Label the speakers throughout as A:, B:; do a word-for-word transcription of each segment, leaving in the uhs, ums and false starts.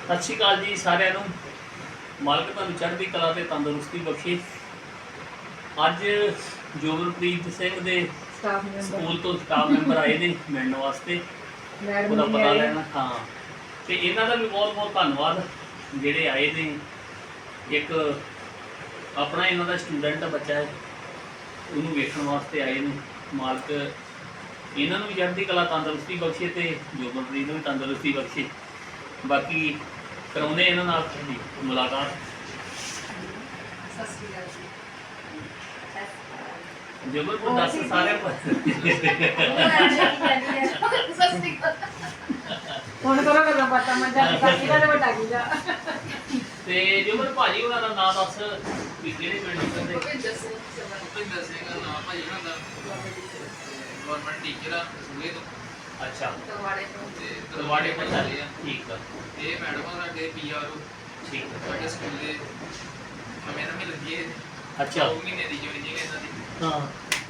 A: ਸਤਿ ਸ਼੍ਰੀ ਅਕਾਲ ਜੀ ਸਾਰਿਆਂ ਨੂੰ। ਮਾਲਕ ਤੁਹਾਨੂੰ ਚੜ੍ਹਦੀ ਕਲਾ ਤੇ ਤੰਦਰੁਸਤੀ ਬਖਸ਼ੇ। ਅੱਜ ਜੋਗਨਪ੍ਰੀਤ ਸਿੰਘ ਦੇ
B: ਸਟਾਫ ਮੈਂਬਰ
A: ਸਕੂਲ ਤੋਂ ਸਟਾਫ ਮੈਂਬਰ ਆਏ ਨੇ ਮਿਲਣ ਵਾਸਤੇ, ਉਹਦਾ ਪਤਾ ਲੈਣਾ। ਹਾਂ, ਤੇ ਇਹਨਾਂ ਦਾ ਵੀ ਬਹੁਤ ਬਹੁਤ ਧੰਨਵਾਦ ਜਿਹੜੇ ਆਏ ਨੇ। ਇੱਕ ਆਪਣਾ ਇਹਨਾਂ ਦਾ ਸਟੂਡੈਂਟ ਬੱਚਾ ਹੈ, ਉਹਨੂੰ ਵੇਖਣ ਵਾਸਤੇ ਆਏ ਨੇ। ਮਾਲਕ ਇਹਨਾਂ ਨੂੰ ਵੀ ਚੜ੍ਹਦੀ ਕਲਾ ਤੰਦਰੁਸਤੀ ਬਖਸ਼ੇ ਤੇ ਜੋਗਨਪ੍ਰੀਤ ਨੂੰ ਵੀ ਤੰਦਰੁਸਤੀ ਬਖਸ਼ੇ। ਬਾਕੀ ਕਰਾਉਂਦੇ ਇਹਨਾਂ ਨਾਲ ਸਾਡੀ ਮੁਲਾਕਾਤ।
B: ਸਤਿ ਸ਼੍ਰੀ ਅਕਾਲ ਜੀ।
A: ਜੋਗਨਪ੍ਰੀਤ ਦੱਸ ਸਾਰੇ
B: ਹੁਣ ਕਰੋ ਗੱਲਾਂ ਬਾਤਾਂ ਮੈਂ ਜਾ ਕੇ ਦਾ ਵੱਡਾ ਕੀ ਜਾ
A: ਤੇ ਜੋਗਨ ਭਾਜੀ ਉਹਨਾਂ ਦਾ ਨਾਮ ਦੱਸ ਵੀ ਕਿਹੜੇ ਪਿੰਡ ਦੇ?
C: ਭੁਪਿੰਦਰ ਸਿੰਘ ਭੁਪਿੰਦਰ ਸਿੰਘ ਦਾ ਨਾਮ ਭਾਜੀ ਉਹਨਾਂ ਦਾ ਗਵਰਨਮੈਂਟ ਟੀਚਰ ਆ ਸੂਏ ਤੋਂ।
A: ਅੱਛਾ,
C: ਤਲਵਾੜੇ ਤੋਂ ਤੇ
A: ਤਲਵਾੜੇ ਤੋਂ
C: ਆ।
A: ਠੀਕ ਆ।
C: ਇਹ ਮੈਡਮ ਆ ਸਾਡੇ ਪੀਆਰਓ
A: ਠੀਕ ਆ।
C: ਸਾਡੇ ਸਕੂਲ ਦੇ ਨਵੇਂ ਨਵੇਂ ਲੱਗੀ ਹੈ।
A: ਅੱਛਾ।
C: ਦੋ ਮਹੀਨੇ ਦੀ ਜੁਆਇਨਿੰਗ ਹੈ ਇਹਨਾਂ ਦੀ।
A: ਹਾਂ।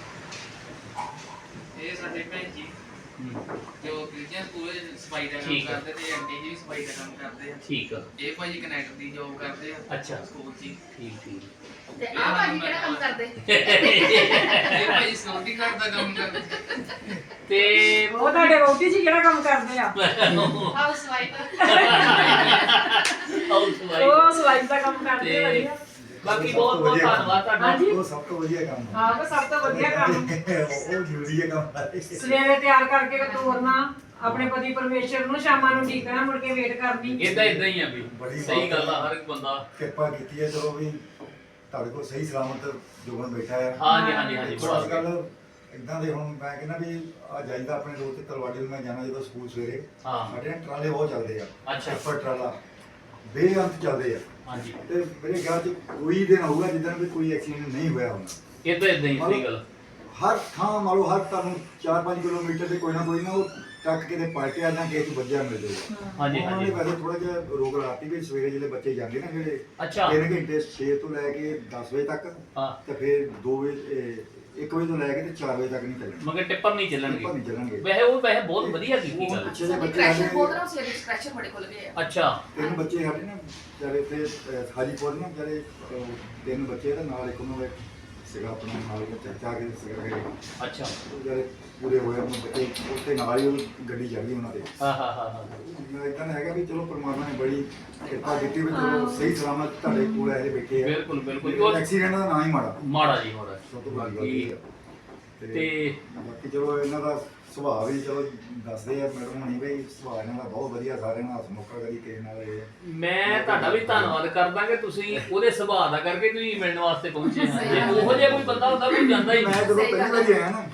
C: ਇਹ ਸਾਡੇ ਭੈਣ ਜੀ
A: ਹੂੰ,
C: ਜੋ ਕ੍ਰਿਸਚੀਅਨ ਸਕੂਲ ਵਿੱਚ ਸਫਾਈ ਦਾ ਕੰਮ
A: ਠੀਕ ਆ।
C: ਕਰਦੇ ਤੇ ਆਂਟੀ ਜੀ ਵੀ ਸਫਾਈ ਦਾ ਕੰਮ ਕਰਦੇ ਆ।
A: ਠੀਕ ਆ।
C: ਇਹ ਭਾਜੀ ਕਨੈਕਟ ਦੀ ਜੋਬ ਕਰਦੇ ਆ
A: ਅੱਛਾ।
C: ਸਕੂਲ 'ਚ ਹੀ।
A: ਠੀਕ ਠੀਕ।
D: ਤੇ ਆ ਭਾਜੀ ਕਿਹੜਾ ਕੰਮ ਕਰਦੇ?
C: ਇਹ ਭਾਜੀ ਸਿਕਿਉਰਿਟੀ ਗਾਰਡ ਦਾ ਕੰਮ ਕਰਦੇ।
A: ਤੇ
B: ਉਹ ਤੁਹਾਡੇ ਵੋਟੀ ਜੀ ਕਿਹੜਾ ਕੰਮ ਕਰਦੇ ਆ?
D: Housewife.
B: ਉਹ ਸਲਾਈਡ ਦਾ ਕੰਮ ਕਰਦੇ
A: ਤੇ
B: ਵਧੀਆ।
A: ਬਾਕੀ ਬਹੁਤ ਬਹੁਤ ਧੰਨਵਾਦ ਤੁਹਾਡਾ।
B: ਹਾਂਜੀ।
E: ਉਹ ਸਭ ਤੋਂ ਵਧੀਆ ਕੰਮ ਹੈ।
B: ਹਾਂ, ਉਹ ਸਭ ਤੋਂ ਵਧੀਆ ਕੰਮ
E: ਉਹ ਜ਼ਰੂਰੀ ਹੈ ਕੰਮ।
B: ਸਵੇਰੇ ਤਿਆਰ ਕਰਕੇ ਤੋਰਨਾ ਆਪਣੇ ਪਤੀ ਪਰਮੇਸ਼ਰ ਨੂੰ, ਸ਼ਾਮਾਂ ਨੂੰ ਠੀਕਣਾ, ਮੁੜ ਕੇ ਵੇਟ ਕਰਨੀ।
A: ਇਦਾਂ ਇਦਾਂ ਹੀ ਆ ਵੀ
E: ਬੜੀ
A: ਸਹੀ ਗੱਲ ਆ। ਹਰ ਇੱਕ ਬੰਦਾ
E: ਕਿਰਪਾ ਕੀਤੀ ਹੈ, ਚਲੋ ਵੀ ਤੁਹਾਡੇ ਕੋਲ ਸਹੀ ਸਲਾਮਤ ਜੋਗਨ ਬੈਠਾ ਹੈ।
A: ਹਾਂਜੀ ਹਾਂਜੀ ਹਾਂਜੀ
E: ਅੱਜ ਕੱਲ ਇਦਾਂ ਦੇ ਹੁਣ ਮੈਂ ਕਹਿੰਦਾ ਵੀ ਆ ਜਾਈਦਾ ਆਪਣੇ ਰੋਡ ਤੇ ਤਲਵਾੜੀ ਨੂੰ ਮੈਂ ਜਾਣਾ ਜਦੋਂ ਸਕੂਲ ਸਵੇਰੇ।
A: ਹਾਂ।
E: ਸਾਡੇ ਨਾਲ ਟਰਾਲੇ ਬਹੁਤ ਚੱਲਦੇ ਆ।
A: ਅੱਛਾ।
E: ਟਿੱਪਰ ਟਰਾਲਾ ਬੇਅੰਤ ਚੱਲਦੇ ਆ।
A: ਹਾਂਜੀ,
E: ਤੇ ਮੇਰੇ ਖਿਆਲ ਚ ਕੋਈ ਦਿਨ ਹੋਊਗਾ ਜਿੱਦਣ ਵੀ ਕੋਈ ਐਕਸੀਡੈਂਟ ਨਹੀਂ ਹੋਇਆ ਹੋਣਾ।
A: ਇਦਾਂ ਇਦਾਂ ਹੀ ਸਹੀ ਗੱਲ।
E: ਹਰ ਥਾਂ ਮੰਨ ਲਓ ਹਰ ਤੁਹਾਨੂੰ ਚਾਰ ਪੰਜ ਕਿਲੋਮੀਟਰ ਤੇ ਕੋਈ ਨਾ ਕੋਈ ਨਾ ਉਹ ਟੱਕ ਕੇ ਤੇ ਪਲਟਿਆ ਜਾਂ ਕਿਸੇ ਚ ਵੱਜਿਆ ਮਿਲ ਜਾਊਗਾ।
A: ਹਾਂਜੀ
E: ਉਹਨਾਂ ਨੇ
A: ਹਾਂਜੀ।
E: ਵੈਸੇ ਥੋੜਾ ਜਿਹਾ ਰੋਕ ਲਾਤੀ ਵੀ ਸਵੇਰੇ ਜਿਹੜੇ ਬੱਚੇ ਜਾਂਦੇ ਨਾ ਜਿਹੜੇ
A: ਅੱਛਾ।
E: ਤਿੰਨ ਘੰਟੇ ਛੇ ਤੋਂ ਲੈ ਕੇ ਦਸ ਵਜੇ ਤੱਕ
A: ਹਾਂ,
E: ਤੇ ਫਿਰ ਦੋ ਵਜੇ ਇੱਕ ਵਜੇ ਤੋਂ ਲੈ ਕੇ ਤੇ ਚਾਰ ਵਜੇ ਤੱਕ ਨਹੀਂ ਚੱਲਣਗੇ।
A: ਮਗਰ ਟਿੱਪਰ ਨਹੀਂ ਚੱਲਣਗੇ।
E: ਟਿੱਪਰ ਨਹੀਂ ਚੱਲਣਗੇ।
A: ਵੈਸੇ ਉਹ ਵੈਸੇ ਬਹੁਤ ਵਧੀਆ ਕੀਤੀ
E: ਉਹ
A: ਗੱਲ।
E: ਪਿੱਛੇ ਜਿਹੇ ਬੱਚੇ
D: ਕ੍ਰੈਸ਼ਰ
E: ਸਾਡੇ
D: ਬਹੁਤ ਨਾ ਸਵੇਰੇ ਕ੍ਰੈਸ਼ਰ ਬੜੇ ਖੁੱਲ ਗਏ ਆ।
A: ਅੱਛਾ।
E: ਤਿੰਨ ਬੱਚੇ ਸਾਡੇ ਨਾ ਜਿਹੜੇ ਤੇ ਹਾਜੀਪੁਰ ਨਾ ਜਿਹੜੇ ਅਹ, ਤਿੰਨ ਬੱਚੇ ਤੇ ਨਾਲ ਇੱਕ ਉਹਨਾਂ ਦਾ ਸੀਗਾ ਆਪਣਾ ਨਾਲ ਦਾ ਚਾਚਾ ਕੇ ਸੀਗਾ ਕਿ
A: ਅੱਛਾ।
E: ਉਹ ਜਿਹੜੇ ਪੂਰੇ ਹੋਏ ਉਹਨਾਂ ਬੱਚੇ ਉੱਤੇ ਨਾਲ ਹੀ ਉਹ ਗੱਡੀ ਚੜ ਗਈ ਉਹਨਾਂ ਦੇ।
A: ਹਾਂ ਹਾਂ ਹਾਂ ਹਾਂ।
E: ਇਦਾਂ ਹੈਗਾ ਵੀ ਚਲੋ ਪਰਮਾਤਮਾ ਨੇ ਬੜੀ ਕਿਰਪਾ ਕੀਤੀ ਵੀ ਚਲੋ ਸਹੀ ਸਲਾਮਤ ਤੁਹਾਡੇ ਕੋਲ ਆਏ ਬੈਠੇ ਆ।
A: ਬਿਲਕੁਲ ਬਿਲਕੁਲ।
E: ਐਕਸੀਡੈਂਟ ਦਾ ਨਾਂ ਹੀ ਮਾੜਾ
A: ਮਾੜਾ ਜੀ ਮਾੜਾ।
E: ਸਭ ਤੋਂ ਵੱਡੀ ਗੱਲ ਇਹ ਆ।
A: ਤੇ
E: ਬਾਕੀ ਚਲੋ ਇਹਨਾਂ ਦਾ ਸੁਭਾਅ ਵੀ ਚਲੋ ਦੱਸਦੇ ਆ ਮੈਡਮ ਹੁਣੀ ਵੀ ਸੁਭਾਅ ਇਹਨਾਂ ਦਾ ਬਹੁਤ ਵਧੀਆ, ਸਾਰਿਆਂ ਨਾਲ ਹਸਮੁਖਾ ਕਦੀ ਕਿਸੇ ਨਾਲ ਇਹ
A: ਮੈਂ ਤੁਹਾਡਾ ਵੀ ਧੰਨਵਾਦ ਕਰਦਾ ਕਿ ਤੁਸੀਂ ਉਹਦੇ ਸੁਭਾਅ ਦਾ ਕਰਕੇ ਤੁਸੀਂ ਮਿਲਣ ਵਾਸਤੇ ਪਹੁੰਚੇ ਹਾਂ। ਜੇ ਉਹੋ ਜਿਹਾ ਕੋਈ ਬੰਦਾ ਹੁੰਦਾ ਕੋਈ ਜਾਂਦਾ ਹੀ
E: ਮੈਂ
A: ਨਹੀਂ।
E: ਜਦੋਂ ਪਹਿਲੀ ਵਾਰੀ ਆਇਆ ਨਾ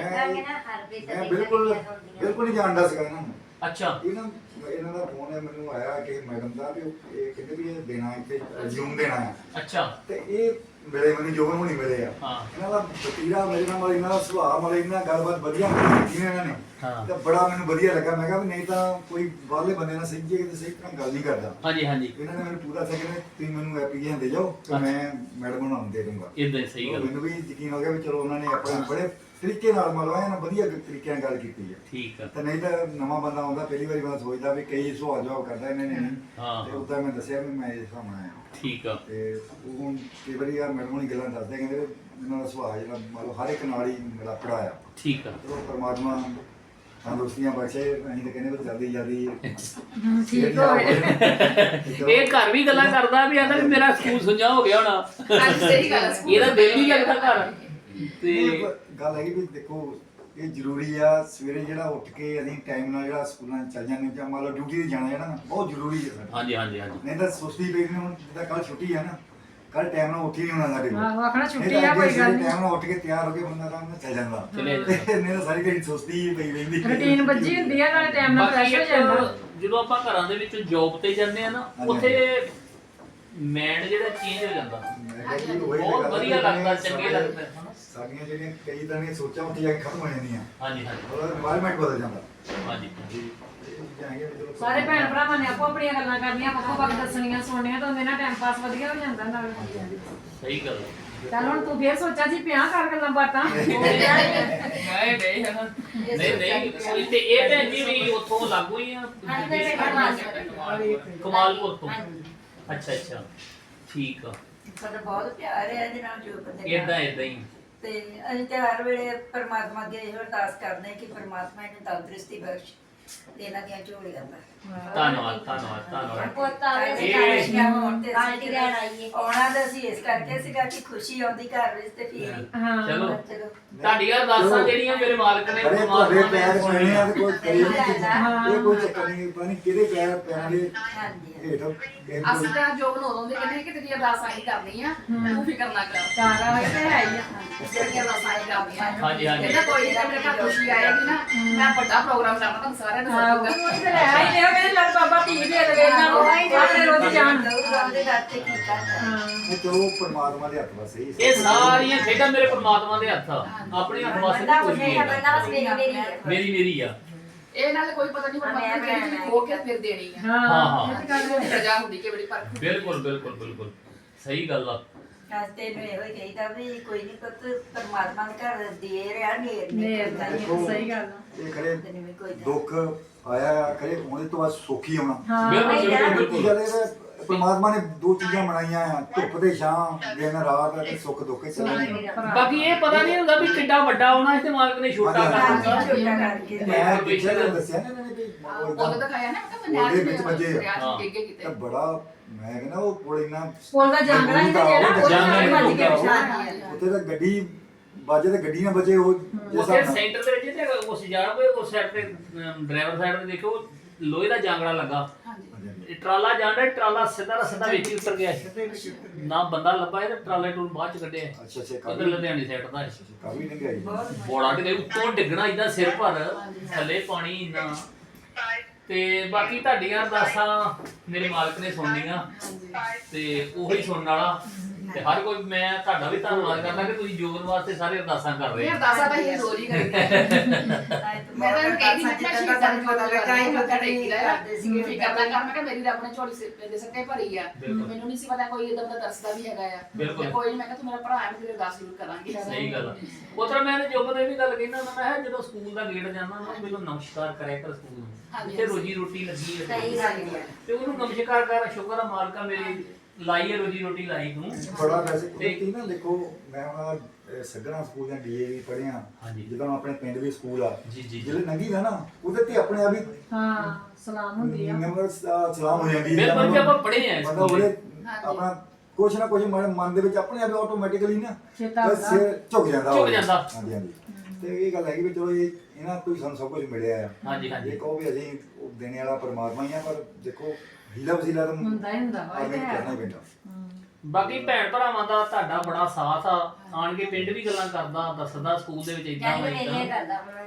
E: ਮੈਂ ਮੈਂ ਬਿਲਕੁਲ ਬਿਲਕੁਲ ਨਹੀਂ ਜਾਣਦਾ ਸੀਗਾ ਇਹਨਾਂ ਨੂੰ।
A: ਅੱਛਾ।
E: ਇਹਨਾਂ ਇਹਨਾਂ ਦਾ ਫੋਨ ਹੈ ਮੈਨੂੰ ਆਇਆ ਕਿ ਮੈਡਮ ਦਾ ਵੀ ਉਹ- ਇਹ ਕਹਿੰਦੇ ਵੀ ਇਹ ਦੇਣਾ ਇੱਥੇ ਰਿਜ਼ਿਊਮ ਦੇਣਾ ਹੈ।
A: ਅੱਛਾ।
E: ਤੇ ਇਹ ਮਿਲੇ ਮੈਨੂੰ ਜੋਬਨ ਹੁਣੀ ਮਿਲੇ ਆ।
A: ਹਾਂ।
E: ਇਹਨਾਂ ਦਾ ਵਤੀਰਾ ਮੇਰੇ ਨਾਲ ਇਹਨਾਂ ਦਾ ਸੁਭਾਅ ਵਾਲੇ ਇਹਨਾਂ ਗੱਲਬਾਤ ਵਧੀਆ ਕੀਤੀ ਨੇ ਇਹਨਾਂ ਨੇ।
A: ਹਾਂ।
E: ਤੇ ਬੜਾ ਮੈਨੂੰ ਵਧੀਆ ਲੱਗਾ। ਮੈਂ ਕਿਹਾ ਵੀ ਨਹੀਂ ਤਾਂ ਕੋਈ ਬਾਹਰਲੇ ਬੰਦੇ ਨਾਲ ਸਹੀ ਜਗ੍ਹਾ ਤੇ ਸਹੀ ਤਰ੍ਹਾਂ ਗੱਲ ਨਹੀਂ ਕਰਦਾ।
A: ਹਾਂਜੀ ਹਾਂਜੀ।
E: ਇਹਨਾਂ ਨੇ ਮੈਨੂੰ ਪੂਰਾ ਸੈਕਿੰਡ ਤੁਸੀਂ ਮੈਨੂੰ ਐਪਲੀਕੇਸ਼ਨ ਦੇ ਜਾਓ ਤੇ ਮੈਂ ਮੈਡਮ ਨੂੰ ਦੇ ਦੂੰਗਾ।
A: ਇਦਾਂ ਹੀ ਸਹੀ ਗੱਲ।
E: ਮੈਨੂੰ ਵੀ ਯਕੀਨ ਹੋ ਗਿਆ ਵੀ ਚਲੋ ਉਹਨਾਂ ਨੇ ਆਪਣੇ ਬੜੇ ਤਰੀਕੇ ਨਾਲ ਮਤਲਬ ਇਹਨਾਂ ਵਧੀਆ ਤਰੀਕੇ ਨਾਲ ਗੱਲ ਕੀਤੀ ਹੈ।
A: ਠੀਕ ਆ।
E: ਤੇ ਨਹੀਂ ਤਾਂ ਨਵਾਂ ਬੰਦਾ ਆਉਂਦਾ ਪਹਿਲੀ ਵਾਰੀ ਬੰਦਾ ਸੋਚਦਾ ਵੀ ਕਈ ਸਵਾਲ ਜਵਾਬ ਕਰਦਾ ਇਹਨਾਂ ਨੇ ਨਹੀਂ।
A: ਹਾਂ।
E: ਤੇ ਉਦਾਂ ਮੈਂ ਦੱਸਿਆ ਵੀ ਮੈਂ ਇਸ ਹਿਸਾਬ ਨਾਲ ਆਇਆ।
A: ਠੀਕ ਆ।
E: ਤੇ ਉਹ ਹੁਣ ਕਈ ਵਾਰੀ ਆ ਮੈਡਮ ਹੁਣੀ ਗੱਲਾਂ ਦੱਸਦੇ ਕਹਿੰਦੇ ਵੀ ਇਹਨਾਂ ਦਾ ਸੁਭਾਅ ਜਿਹੜਾ ਮਤਲਬ ਹਰ ਇੱਕ ਨਾਲ ਹੀ ਮੇਰਾ ਪੜਾਇਆ।
A: ਠੀਕ ਆ।
E: ਚਲੋ ਪਰਮਾਤਮਾ ਤੰਦਰੁਸਤੀਆਂ ਬਖਸ਼ੇ। ਅਸੀਂ ਤਾਂ ਕਹਿੰਦੇ ਵੀ ਜਲਦੀ ਜਲਦੀ
B: ਠੀਕ ਹੋਵੇ।
A: ਇਹ ਘਰ ਵੀ ਗੱਲਾਂ ਕਰਦਾ ਵੀ ਆਂਦਾ ਵੀ ਮੇਰਾ ਸਕੂਲ ਸੁਝਾ ਹੋ ਗਿਆ ਹੋਣਾ।
D: ਅੱਜ ਸਹੀ ਗੱਲ ਹੈ।
A: ਇਹਦਾ ਦਿਲ ਨਹੀਂ ਲੱਗਦਾ ਘਰ। ਤੇ
E: ਨਹੀਂ, ਗੱਲ ਹੈਗੀ ਵੀ ਦੇਖੋ ਇਹ ਜ਼ਰੂਰੀ ਆ ਸਵੇਰੇ ਜਿਹੜਾ ਉੱਠ ਕੇ ਅਸੀਂ ਟਾਈਮ ਨਾਲ ਜਿਹੜਾ ਸਕੂਲਾਂ 'ਚ ਚੱਲ ਜਾਂਦੇ ਜਾਂ ਮੰਨ ਲਓ ਡਿਊਟੀ ਤੇ ਜਾਣਾ ਜਿਹੜਾ ਨਾ ਬਹੁਤ ਜ਼ਰੂਰੀ ਹੈ ਸਾਡਾ।
A: ਹਾਂਜੀ ਹਾਂਜੀ ਹਾਂਜੀ।
E: ਨਹੀਂ ਤਾਂ ਸੁਸਤੀ ਪਈ ਨਹੀਂ। ਹੁਣ ਜਿੱਦਾਂ ਕੱਲ ਛੁੱਟੀ ਆ ਨਾ, ਕੱਲ ਟਾਈਮ ਨਾਲ ਉੱਠ ਹੀ ਨਹੀਂ ਹੋਣਾ ਸਾਡੇ ਕੋਲ।
B: ਆਹੋ, ਆਖਣਾ ਛੁੱਟੀ ਆ ਕੋਈ ਗੱਲ ਨਹੀਂ।
E: ਟਾਈਮ ਨਾਲ ਉੱਠ ਕੇ ਤਿਆਰ ਹੋ ਕੇ ਬੰਦਾ ਆਰਾਮ ਨਾਲ ਚੱਲ ਜਾਂਦਾ।
A: ਚਲੇ
E: ਤੇ ਨਹੀਂ ਤਾਂ ਸਾਰੀ ਦਿਨ ਸੁਸਤੀ ਹੀ ਪਈ ਰਹਿੰਦੀ।
B: ਰੁਟੀਨ ਵੱਜੀ ਹੁੰਦੀ ਆ, ਨਾਲੇ ਟਾਈਮ ਨਾਲ
A: ਬਾਕੀ
B: ਫਰੈਸ਼ ਹੋ
A: ਇੱਕ
B: ਜਾਂਦਾ।
A: ਜਦੋਂ ਆਪਾਂ ਘਰਾਂ ਦੇ ਵਿੱਚ ਜੌਬ ਤੇ ਜਾਂਦੇ ਆ ਨਾ,
E: ਹਾਂਜੀ।
A: ਉੱਥੇ ਮੈਂਡ ਜਿਹੜਾ ਚੇਂਜ ਹੋ ਜਾਂਦਾ।
E: ਮੈਂ ਕਿਹਾ ਜੀ ਉਹੀ ਤਾਂ
A: ਬਹੁਤ
E: ਗੱਲ ਆ
A: ਵਧੀਆ
E: ਵੀ
A: ਲੱਗਦਾ,
E: ਸਾਰੇ-
A: ਚੰਗੇ ਲੱਗਦੇ ਹਨਾ।
E: ਸਾਡੀਆਂ ਜਿਹੜੀਆਂ ਕਈ ਤਰ੍ਹਾਂ ਦੀਆਂ ਸੋਚਾਂ ਉੱਥੇ ਜਾ ਕੇ ਖਤਮ ਹੋ ਜਾਂਦੀਆਂ।
A: ਹਾਂਜੀ ਹਾਂਜੀ
E: ਉਹਦਾ এনवायरमेंट ਬਦਲ ਜਾਂਦਾ।
A: ਹਾਂਜੀ।
E: ਜੀ ਇਹ ਜਾਏਂਗੇ ਵੀ ਚਲੋ
B: ਸਾਰੇ ਭੈਣ ਭਰਾਵਾਂ ਨੇ ਆਪੋ ਆਪਣੀਆਂ ਗੱਲਾਂ ਕਰਨੀਆਂ, ਵੱਖੋ ਵੱਖ ਦੱਸਣੀਆਂ, ਸੁਣਨੀਆਂ ਤਾਂ ਉਹਦੇ ਨਾਲ ਟਾਈਮ ਪਾਸ ਵਧੀਆ ਹੋ ਜਾਂਦਾ ਨਾਲ।
A: ਸਹੀ ਗੱਲ ਹੈ।
B: ਚੱਲ ਹੁਣ ਤੂੰ ਫੇਰ ਸੋਚਾਂ ਸੀ ਪਿਆ ਕਰ ਗੱਲਾਂ ਬਾਤਾਂ
C: ਮੈਂ ਨਹੀਂ ਹਾਂ
A: ਨਹੀਂ ਨਹੀਂ ਤੇ ਇਹ ਭੈਣ ਜੀ ਵੀ ਉੱਥੋਂ ਲਾਗੂ ਹੀ ਆ ਕਮਾਲਪੁਰ ਤੋਂ ਅੱਛਾ ਅੱਛਾ ਠੀਕ ਆ
F: ਸਾਡਾ ਬਹੁਤ ਪਿਆਰ ਹੈ ਇਹਦੇ ਨਾਲ ਜੋ ਬੰਦੇ
A: ਇਦਾਂ ਇਦਾਂ ਹੀ
F: ਤੇ ਅਸੀਂ ਤੇ ਹਰ ਵੇਲੇ ਪਰਮਾਤਮਾ ਅੱਗੇ ਇਹੋ ਅਰਦਾਸ ਕਰਦੇ ਹਾਂ ਕਿ ਪਰਮਾਤਮਾ ਇਹਨੂੰ ਤੰਦਰੁਸਤੀ ਬਖਸ਼ ਤੇ ਇਹਨਾਂ ਦੀਆਂ ਝੋਲੀਆਂ ਦਾ
A: ਧੰਨਵਾਦ ਧੰਨਵਾਦ ਧੰਨਵਾਦ
F: ਪੁੱਤ ਆਵੇ ਤੇ
A: ਇਹ-
F: ਕਾਸ਼ੀਆਂ ਹੋਣ ਤੇ ਅਸੀਂ ਲੈਣ ਆਈਏ ਆਉਣਾ ਤਾਂ ਅਸੀਂ ਇਸ ਕਰਕੇ ਸੀਗਾ ਕਿ ਖੁਸ਼ੀ ਆਉਂਦੀ ਘਰ ਵਿੱਚ ਤੇ ਫਿਰ ਹੀ
B: ਹਾਂ
A: ਚਲੋ
F: ਚਲੋ
A: ਤੁਹਾਡੀਆਂ ਅਰਦਾਸਾਂ ਜਿਹੜੀਆਂ ਮੇਰੇ ਮਾਲਕ ਨੇ
E: ਅਰੇ
A: ਪਰਮਾਤਮਾ
E: ਤੁਹਾਡੇ
A: ਨੇ
E: ਪੈਰ ਪੈਣੇ ਆ ਤੇ ਕੋਈ ਕਰੀ ਨਹੀਂ
F: ਹਾਂ।
E: ਇਹ ਕੋਈ ਚੱਕਰ ਨਹੀਂ ਪਤਾ ਨਹੀਂ ਕਿਹਦੇ ਪੈਰ ਪੈਣਗੇ
F: ਹਾਂਜੀ
E: ਹੇਠ
D: ਅਸੀਂ ਤਾਂ ਜੋ ਬਣਾਉਣ ਦੇ ਕਹਿੰਦੇ ਕਿ ਤੇਰੀ ਅਰਦਾਸ ਆਹੀ ਕਰਨੀ ਆ ਤੂੰ ਫਿਕਰ ਨਾ ਕਰ
B: ਚਾਰਾ ਹੋਈ ਤੇ ਹੈ ਹੀ ਆ
D: ਜਿਹੜੀ ਅਰਦਾਸ ਆਹੀ ਕਰਨੀ ਆ
A: ਹਾਂਜੀ ਹਾਂਜੀ
D: ਕਹਿੰਦਾ ਕੋਈ ਨਹੀਂ ਮੇਰੇ ਘਰ ਖੁਸ਼ੀ ਆਏਗੀ ਨਾ ਮੈਂ ਵੱਡਾ ਪ੍ਰੋਗਰਾਮ ਕਰਨਾ ਤੁਹਾਨੂੰ ਸਾਰਿਆਂ ਨੂੰ
B: ਹਾਂ
D: ਸੱਦੂਗਾ
B: ਉਹ ਤੇ ਹੈ ਹੀ ਨੇ ਉਹ ਕਹਿੰਦੇ ਲੱਗ ਬਾਬਾ ਧੀ ਦੇ ਦੇਵੇ ਇਹਨਾਂ ਨੂੰ ਆਪਣੇ ਰੋਜ਼ ਜਾਣ
F: ਉਹਦੇ ਦਰ ਤੇ ਕੀ ਕਰਦਾ
B: ਹਾਂ
E: ਇਹ ਚਲੋ ਪਰਮਾਤਮਾ ਦੇ ਹੱਥ ਵਾ ਸਹੀ
A: ਇਹ ਸਾਰੀਆਂ ਖੇਡਾਂ ਮੇਰੇ ਪਰਮਾਤਮਾ ਦੇ ਹੱਥ ਆ ਆਪਣੇ ਹੱਥ ਵਾਸਤੇ
F: ਬੰਦਾ
A: ਕੁਝ
F: ਕੁਝ
A: ਨਹੀਂ
F: ਨਹੀਂ ਬੰਦਾ ਬਸ ਮੇਰੀ ਮੇਰੀ ਹੈ
A: ਮੇਰੀ ਮੇਰੀ ਆ
D: ਇਹ ਨਾਲ ਕੋਈ ਪਤਾ ਨਹੀਂ ਪਰਮਾਤਮਾ ਨੇ ਕਿਹੜੀ ਚੀਜ਼ ਖੋ ਕੇ ਫਿਰ ਦੇਣੀ ਆ
B: ਹਾਂ
A: ਹਾਂ ਹਾਂ
D: ਇਹ ਤਾਂ ਗੱਲ ਪ੍ਰਜਾ ਹੁੰਦੀ ਕਿ ਬੜੀ ਪਰਖ
A: ਬਿਲਕੁਲ ਬਿਲਕੁਲ ਬਿਲਕੁਲ ਸਹੀ ਗੱਲ ਆ
F: ਅੱਜ ਤੈਨੂੰ ਇਹੋ ਹੀ ਕਹੀਦਾ ਵੀ ਕੋਈ ਨਹੀਂ ਪੁੱਤ ਪਰਮਾਤਮਾ ਦੇ ਘਰ ਦੇ ਰਿਹਾ ਨੇਰ
B: ਨੇਰ
F: ਨਹੀਂ
B: ਦਾ
F: ਕਰਦਾ
B: ਸਹੀ ਗੱਲ ਆ
E: ਇਹ ਖਰੇ
F: ਤੈਨੂੰ ਵੀ ਕੋਈ
E: ਦੁੱਖ ਆਇਆ ਖਰੇ ਉਹਦੇ ਤੋਂ ਬਾਅਦ ਸੁੱਖ ਹੀ ਆਉਣਾ
B: ਹਾਂ
A: ਬਿਲਕੁਲ ਬਿਲਕੁਲ
E: ਕੀ
A: ਬਿਲਕੁਲ
E: ਗੱਲ ਇਹ ਪਰਮਾਤਮਾ ਨੇ ਦੋ ਚੀਜ਼ਾਂ ਬਣਾਈਆਂ ਆ ਧੁੱਪ ਤੇ ਛਾਂ ਦਿਨ ਰਾਤ ਤੇ ਸੁੱਖ ਦੁੱਖ ਚੱਲਣੇ
A: ਬਾਕੀ ਇਹ ਪਤਾ ਨਹੀਂ ਹੁੰਦਾ ਵੀ ਕਿੱਡਾ ਵੱਡਾ ਹੋਣਾ ਤੇ ਮਾਲਕ ਨੇ ਛੋਟਾ ਕਰ
F: ਹਾਂਜੀ,
A: ਦਿੱਤਾ
F: ਛੋਟਾ ਕਰਕੇ
E: ਮੈਂ ਪਿੱਛੇ ਤਾਂ ਦੱਸਿਆ ਨਾ ਇਹਨਾਂ ਨੇ ਵੀ ਉਹ
D: ਉਹਦਾ
E: ਏਦਾਂ
D: ਦਿਖਾਇਆ ਨਾ ਕਿ
E: ਉਹਦੇ ਵਿੱਚ ਵੱਜੇ ਆ।
A: ਹਾਂ।
D: ਅੱਗੇ ਕਿਤੇ
E: ਤਾਂ ਬੜਾ ਮੈਂ ਕਹਿੰਦਾ ਉਹ ਕੋਲ ਇੰਨਾ
B: ਪੁੱਲ ਦਾ ਜਾਂਗੜਾ ਹੀ ਤੇ ਜਿਹੜਾ ਉਹਦੇ ਨਾਲ ਵੱਜ ਕੇ ਪਿਛਾਂ
E: ਉੱਥੇ ਤਾਂ ਗੱਡੀ ਵੱਜੇ ਤੇ ਗੱਡੀ ਨਾ ਬਚੇ ਉਹ ਜਿਸ
A: ਉਸੇ
E: ਹਿਸਾਬ ਨਾਲ-
A: ਸੈਂਟਰ ਦੇ ਵਿੱਚ ਤੇ ਉਸ ਜਾਣ ਕੋਈ ਉਸ ਸਾਈਡ ਤੇ ਡਰਾਈਵਰ ਸਾਈਡ ਤੇ ਦੇਖੋ ਲੋਹੇ ਦਾ ਜਾਂਗੜਾ ਲੱਗਾ
D: ਹਾਂਜੀ
A: ਇਹ ਟਰਾਲਾ ਜਾਂਦਾ ਟਰਾਲਾ ਸਿੱਧਾ ਦਾ ਸਿੱਧਾ ਵਿੱਚ ਹੀ ਉਤਰ ਗਿਆ ਨਾ ਬੰਦਾ ਲੱਭਾ ਇਹ ਤੇ ਟਰਾਲੇ ਟੂਲ ਬਾਅਦ ਚ ਕੱਢਿਆ
E: ਅੱਛਾ ਅੱਛਾ
A: ਉਧਰ
E: ਕਾਫੀ
A: ਲੁਧਿਆਣੇ ਸਾਈਡ ਦਾ
E: ਕਾਫੀ ਡੰਗਾਈ
A: ਬੋੜਾ ਤੇ ਉੱਤੋਂ ਡਿੱਗਣਾ ਇਦਾਂ ਸਿਰ ਭਰ ਥੱਲੇ ਪਾਣੀ ਇੰਨਾ ਤੇ ਬਾਕੀ ਤੁਹਾਡੀਆਂ ਅਰਦਾਸਾਂ ਮੇਰੇ ਮਾਲਕ ਨੇ ਸੁਣਨੀਆਂ ਤੇ ਉਹੀ ਸੁਣਨ ਵਾਲਾ ਤੇ ਹਰ ਕੋਈ ਮੈਂ ਤੁਹਾਡਾ ਵੀ ਧੰਨਵਾਦ ਕਰਦਾ ਕਿ ਤੁਸੀਂ ਜੋਗਨ ਵਾਸਤੇ ਸਾਰੇ ਅਰਦਾਸਾਂ ਕਰ ਰਹੇ
D: ਇਹ
A: ਹੋ
D: ਅਰਦਾਸਾਂ ਤਾਂ ਇਹ ਰੋਜ਼ ਹੀ ਕਰੀਦੀ ਮੈਂ ਤਾਂ ਇਹਨੂੰ ਕਹਿੰਦੀ ਮੈਂ ਸ਼ਹੀਦਾਂ ਦਾ ਪਤਾ ਲੱਗਾ ਹੀ ਮੱਥਾ ਟੇਕੀ ਦਾ
F: ਕਰਦੇ ਸੀਗੇ
D: ਫਿਕਰ ਨਾ ਕਰ ਮੈਂ ਕਿਹਾ ਮੇਰੀ ਰੱਬ ਨੇ ਝੋਲੀ ਸਿਰ ਦੇ ਸੱਟੇ ਭਰੀ ਆ
A: ਬਿਲਕੁਲ।
D: ਮੈਨੂੰ ਨਹੀਂ ਸੀ ਪਤਾ ਕੋਈ ਇਦਾਂ ਦਾ ਦੱਸਦਾ ਵੀ ਹੈਗਾ ਆ
A: ਬਿਲਕੁਲ।
D: ਤੇ ਕੋਈ ਨਹੀਂ ਮੈਂ ਕਿਹਾ ਤੂੰ ਮੇਰਾ ਭਰਾ ਹੈ ਮੈਂ ਤੇਰੀ ਅਰਦਾਸ ਜ਼ਰੂਰ ਕਰਾਂਗੀ
A: ਸਹੀ ਗੱਲ ਆ ਉਤਰਾ ਮੈਂ ਤੇ ਜੋਬਨ ਨੇ ਵੀ ਗੱਲ ਕਹਿੰਦਾ ਹੁੰਦਾ ਮੈਂ ਕਿਹਾ ਜਦੋਂ ਸਕੂਲ ਦਾ ਗੇਟ ਜਾਂਦਾ ਨਾ ਮੈਨੂੰ ਨਮਸਕਾਰ ਕਰਿਆ ਕਰ ਸਕੂਲ ਨੂੰ
D: ਹਾਂਜੀ,
A: ਤੇ ਰੋਜੀ ਰੋਟੀ ਲੱਗੀ ਹੈ
F: ਸਹੀ ਗੱਲ ਹੈ
A: ਤੇ ਉਹਨੂੰ ਨਮਸਕਾਰ ਕਰ ਸ਼ੁਕਰ ਆ ਮਾਲਕਾ ਮੇਰੀ ਲਾਈ ਹੈ ਰੋਜੀ ਰੋਟੀ ਲਾਈ ਤੂੰ
E: ਬੜਾ ਵੈਸੇ ਕੁਦਰਤੀ ਨਾ ਦੇਖੋ ਮੈਂ ਉਹਨਾਂ ਸੱਗਣਾ ਸਕੂਲ ਜਾਂ ਡੀਏਵੀ ਪੜ੍ਹਿਆ
A: ਹਾਂਜੀ।
E: ਜਦੋਂ ਆਪਣੇ ਪਿੰਡ ਵੀ ਸਕੂਲ ਆ
A: ਜੀ ਜੀ ਜੀ
E: ਜਿਹੜੇ ਲੰਗੀ ਦਾ ਨਾ ਉਹਦੇ ਤੇ ਆਪਣੇ ਆਪ ਹੀ
B: ਹਾਂ ਸਲਾਮ ਹੁੰਦੀ ਆ
E: ਨੰਬਰ ਸਲਾਮ ਹੋ ਜਾਂਦੀ
A: ਬਿਲਕੁਲ ਕਿ ਆਪਾਂ ਪੜ੍ਹੇ ਆ
E: ਮਤਲਬ
A: ਸਕੂਲ
E: ਉਹਦੇ ਆਪਣਾ ਕੁਛ ਨਾ ਕੁਛ ਮਨ ਮਨ ਦੇ ਵਿੱਚ ਆਪਣੇ ਆਪ ਆਟੋਮੈਟਿਕਲੀ ਨਾ
B: ਚੇਤਾ
E: ਬਸ
B: ਆਉਂਦਾ।
E: ਸਿਰ ਝੁਕ ਜਾਂਦਾ
A: ਝੁਕ
E: ਉਹ।
A: ਜਾਂਦਾ।
E: ਹਾਂਜੀ ਹਾਂਜੀ ਤੇ ਇਹ ਗੱਲ ਹੈਗੀ ਵੀ ਚਲੋ ਇਹ ਇਹਨਾਂ ਤੋਂ ਹੀ ਸਾਨੂੰ ਸਭ ਕੁਝ ਮਿਲਿਆ ਆ
A: ਹਾਂਜੀ ਹਾਂਜੀ
E: ਇਹ ਕਹੋ ਵੀ ਅਸੀਂ ਉਹ ਦੇਣੇ ਵਾਲਾ ਪਰਮਾਤਮਾ ਹੀ ਆ ਪਰ ਦੇਖੋ ਹੀਲਾ ਵਸੀਲਾ ਤਾਂ
B: ਹੁੰਦਾ ਹੀ ਹੁੰਦਾ ਵਾ, ਇਹ
E: ਆਦਮੀ ਨੂੰ
B: ਤਾਂ ਹੈ।
E: ਕਰਨਾ ਹੀ ਪੈਂਦਾ
A: ਬਾਕੀ ਭੈਣ ਭਰਾਵਾਂ ਦਾ ਤੁਹਾਡਾ ਬੜਾ ਸਾਥ ਆ ਆਣ ਕੇ ਪਿੰਡ ਵੀ ਗੱਲਾਂ ਕਰਦਾ ਦੱਸਦਾ ਸਕੂਲ ਦੇ ਵਿੱਚ ਇਦਾਂ
F: ਕਹਿੰਦੇ
A: ਹੋਈਦਾ
F: ਇਹ ਕਰਦਾ ਹੁਣ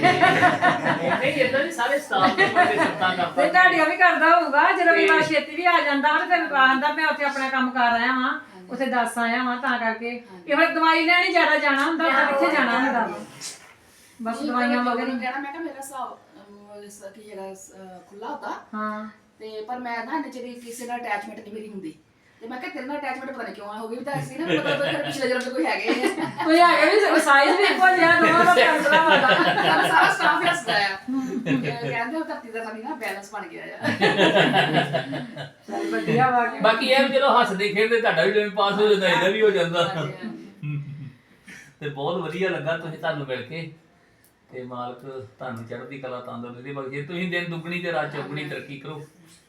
A: ਨਹੀਂ ਇਦਾਂ ਨਹੀਂ ਸਾਰੇ ਸਟਾਫ ਦੇ ਬੰਦੇ ਸੱਤਾਂ
B: ਤੇ
A: ਕਰਦਾ
B: ਤੁਹਾਡੀਆਂ ਵੀ ਕਰਦਾ ਹੋਊਗਾ ਜਦੋਂ ਵੀ
A: ਤੇ-
B: ਮੈਂ ਛੇਤੀ ਵੀ ਆ ਜਾਂਦਾ ਵਾ ਤੇ ਫਿਰ ਆਂਦਾ ਮੈਂ ਉੱਥੇ ਆਪਣਾ ਕੰਮ ਕਰ ਆਇਆ ਵਾਂ ਉੱਥੇ ਦੱਸ ਆਇਆ ਵਾਂ ਤਾਂ ਕਰਕੇ ਇਹੋ ਦਵਾਈ ਲੈਣੀ ਜ਼ਿਆਦਾ ਜਾਣਾ ਹੁੰਦਾ ਤਾਂ ਕਿੱਥੇ ਜਾਣਾ ਹੁੰਦਾ ਵਾ। ਬਸ ਦਵਾਈਆਂ
D: ਮਗਰ
B: ਵਗੈਰਾ
D: ਕਹਿਣਾ ਮੈਂ ਕਿਹਾ ਮੇਰਾ ਹਿਸਾਬ ਅਮ, ਇਸ ਕੀ ਹੈਗਾ ਅਹ, ਖੁੱਲਾ ਹੁੰਦਾ
B: ਹਾਂ
D: ਤੇ ਪਰ ਮੈਂ ਨਾ ਇੰਨੇ ਚਿਰ ਕਿਸੇ ਨਾਲ ਅਟੈਚਮੈਂਟ ਨਹੀਂ ਮੇਰੀ ਹੁੰਦੀ ਤੇ ਮੈਂ ਕਿਹਾ ਤੇਰੇ ਨਾਲ ਅਟੈਚਮੈਂਟ ਪਤਾ ਨਹੀਂ ਕਿਉਂ ਆ ਹੋ ਗਈ ਵੀ ਤਾਂ ਅਸੀਂ ਨਾ ਮਤਲਬ ਫਿਰ ਪਿਛਲੇ ਜਨਮ ਚ ਕੋਈ ਹੈਗੇ ਆ
B: ਕੋਈ ਹੈਗਾ ਵੀ ਸਾਈਜ਼ ਵੀ ਇੱਕੋ ਜਿਹਾ ਦੋਵਾਂ ਦਾ ਪੈਂਤਰਾ ਵਾਲਾ
D: ਸਾਡਾ ਸਾਰਾ ਸਟਾਫ ਹੱਸਦਾ ਆ ਤੇ ਕਹਿੰਦੇ ਉਹ ਧਰਤੀ ਦਾ ਸਾਡੀ ਨਾ ਬੈਲੈਂਸ ਬਣ ਗਿਆ ਆ
B: ਚੱਲ ਵਧੀਆ ਵਾ ਕੇ
A: ਬਾਕੀ ਇਹ ਵੀ ਚਲੋ ਹੱਸਦੇ ਖੇਡਦੇ ਤੁਹਾਡਾ ਵੀ ਟਾਈਮ ਪਾਸ ਹੋ ਜਾਂਦਾ ਇਹਦਾ ਵੀ ਹੋ ਜਾਂਦਾ
D: ਹਾਂਜੀ, ਹਾਂਜੀ।
A: ਤੇ ਬਹੁਤ ਵਧੀਆ ਲੱਗਾ ਤੁਸੀਂ ਤੁਹਾਨੂੰ ਮਿਲ ਕੇ ਤੇ ਮਾਲਕ ਤੁਹਾਨੂੰ ਚੜ੍ਹਦੀ ਕਲਾ ਤੰਦਰੁਸਤੀ ਬਖਸ਼ੇ ਤੁਸੀਂ ਦਿਨ ਦੁੱਗਣੀ ਤੇ ਰਾਤ ਚੌਗਣੀ ਤਰੱਕੀ ਕਰੋ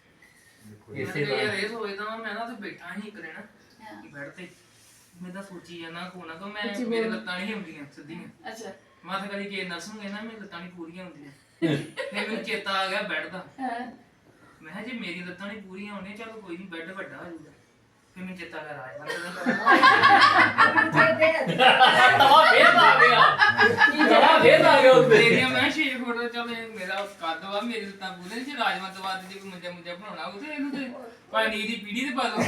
A: ਇਸੇ
C: ਯਾਰ
A: ਤਰ੍ਹਾਂ
C: ਇਹ ਸੋਚਦਾ ਵਾਂ, ਮੈਂ ਨਾ ਉੱਥੇ ਬੈਠਾ ਸੀ ਇੱਕ ਦਿਨ ਕਿ ਬੈਠ ਤੇ ਮੈਂ ਤਾਂ ਸੋਚੀ ਜਾਂਦਾ ਕੋਨਾ ਤੋਂ ਮੈਂ ਮੇਰੇ ਲੱਤਾਂ ਨਹੀਂ ਹੁੰਦੀਆਂ ਸਿੱਧੀਆਂ
D: ਅੱਛਾ
C: ਮਾਥਾ ਕਦੀ ਕੇ ਨਸੂਗੇ ਨਾ ਮੇਰੀ ਲੱਤਾਂ ਨਹੀਂ ਪੂਰੀਆਂ ਹੁੰਦੀਆਂ ਫਿਰ ਮੈਨੂੰ ਚੇਤਾ ਆ ਗਿਆ ਬੈੱਡ ਦਾ
D: ਹਾਂ
C: ਮੈਂ ਕਿਹਾ ਜੇ ਮੇਰੀ ਲੱਤਾਂ ਨਹੀਂ ਪੂਰੀਆਂ ਹੋਣੀਆਂ ਚਲੋ ਕੋਈ ਨਹੀਂ ਬੈੱਡ ਵੱਡਾ ਹੋ ਜਾਊਗਾ ਫਿਰ ਮੈਨੂੰ ਚੇਤਾ ਕਰ ਆਇਆ
A: ਤਵਾ ਫੇਰ ਆ ਗਿਆ ਤਵਾ ਫੇਰ ਆ ਗਿਆ ਉੱਤੇ
C: ਮੇਰੀਆਂ ਮੈਂ ਛੇ ਫੋਟੋ ਚੱਲ ਇਹ ਮੇਰਾ ਕੱਦ ਵਾ ਮੇਰੀ ਲੱਤਾਂ ਪੂਰੀਆਂ ਜੇ ਰਾਜਮਾ ਦਵਾ ਦੇ ਜੇ ਕੋਈ ਮੁੰਜਾ ਮੁੰਜਾ ਬਣਾਉਣਾ ਉਹ ਤੇ ਇਹਨੂੰ ਤੇ ਪਾਣੀ ਦੀ ਪੀੜੀ ਤੇ ਪਾ ਦੋ